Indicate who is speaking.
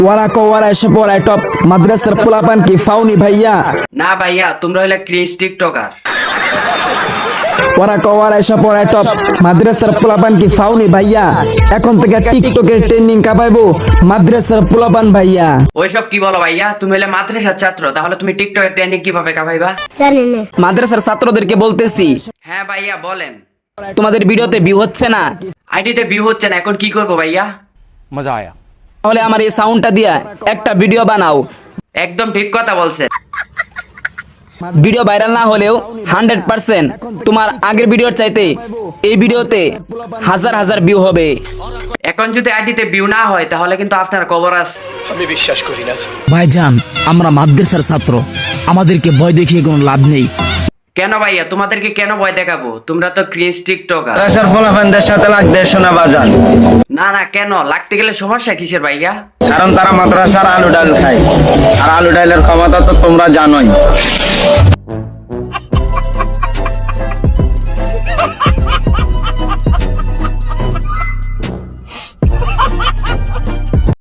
Speaker 1: ওরা ওরা এসে পড়ায় টপ মাদ্রাসার পোলাপান কি ফাউনি ভাইয়া?
Speaker 2: না ভাইয়া, তোমরা হইলে ক্রিঞ্জ টিকটকার।
Speaker 1: ওরা এসে পড়ায় টপ মাদ্রাসার পোলাপান কি ফাউনি ভাইয়া? এখন থেকে টিকটকের ট্রেন্ডিং কাপাইবো মাদ্রাসার পোলাপান ভাইয়া।
Speaker 2: ওইসব কি বলো ভাইয়া? তুমি হলে মাদ্রাসার ছাত্র, তাহলে তুমি টিকটকের ট্রেন্ডিং কিভাবে কাভাইবা?
Speaker 1: মাদ্রাসার ছাত্রদেরকে বলতেছি,
Speaker 2: হ্যাঁ ভাইয়া বলেন।
Speaker 1: তোমাদের ভিডিওতে ভিউ হচ্ছে না,
Speaker 2: আইডিতে ভিউ হচ্ছে না, এখন কি করবো ভাইয়া?
Speaker 3: मजा आया।
Speaker 1: তাহলে আমার এই সাউন্ডটা দিয়া একটা ভিডিও বানাও।
Speaker 2: একদম ঠিক কথা বলছে।
Speaker 1: ভিডিও ভাইরাল না হলেও 100% তোমার আগের ভিডিওর চাইতে এই ভিডিওতে হাজার হাজার ভিউ হবে।
Speaker 2: এখন যদি আইডিতে ভিউ না হয় তাহলে কিন্তু আপনার খবর আছে।
Speaker 4: ভাইজান, আমরা মাদ্রাসার ছাত্র, আমাদেরকে ভয় দেখিয়ে কোনো লাভ নেই।
Speaker 2: কেন ভাইয়া? তোমাদেরকে কেন ভয় দেখাবো? তোমরা তো ক্রিঞ্জ টিকটকার।
Speaker 5: মাদ্রাসার ফলাফানদের সাথে লাগতে শোনা বাজান,
Speaker 2: না না, কেন লাগতে গেলে সমস্যা কিসের ভাইয়া?
Speaker 5: কারণ তারা মাদ্রাসার আলু ডাল খায়, আর আলু ডালের ক্ষমতা তো তোমরা জানোই।